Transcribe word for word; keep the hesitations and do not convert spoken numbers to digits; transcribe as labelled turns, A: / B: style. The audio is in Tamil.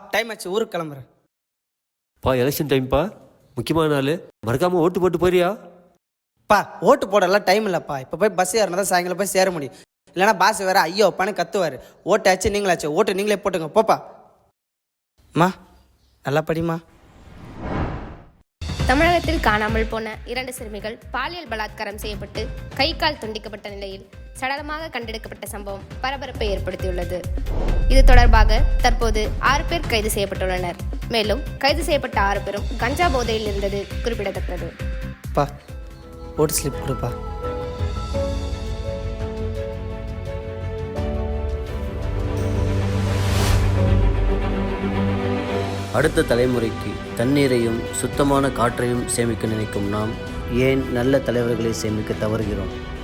A: டைம் ஆச்சு, ஊருக்கு கிளம்புறேன்.
B: பா எலெக்ஷன் டைம்ப்பா, முக்கியமான நாள், மறக்காமல் ஓட்டு போட்டு போறியா?
A: பா ஓட்டு போடலாம் டைம் இல்லைப்பா. இப்போ போய் பஸ் ஏறினா தான் சாயங்காலம் போய் சேர முடியும். இல்லைனா பாஸ் வேறு ஐயோ அப்பான்னு கத்துவார். ஓட்டு ஆச்சு நீங்களாச்சு, ஓட்டு நீங்களே போட்டுங்க போப்பா. அம்மா நல்லா படிமா.
C: தமிழகத்தில் காணாமல் போன இரண்டு சிறுமிகள் பாலியல் பலாத்காரம் செய்யப்பட்டு கை கால் துண்டிக்கப்பட்ட நிலையில் சடலமாக கண்டெடுக்கப்பட்ட சம்பவம் பரபரப்பை ஏற்படுத்தியுள்ளது. இது தொடர்பாக தற்போது ஆறு பேர் கைது செய்யப்பட்டுள்ளனர். மேலும் கைது செய்யப்பட்ட ஆறு பேரும் கஞ்சா போதையில் இருந்தது குறிப்பிடத்தக்கது.
A: பா ஓட்டு ஸ்லிப் கொடுப்பா.
D: அடுத்த தலைமுறைக்கு தண்ணீரையும் சுத்தமான காற்றையும் சேமிக்க நினைக்கும் நாம் ஏன் நல்ல தலைவர்களை சேமிக்க தவறுகிறோம்?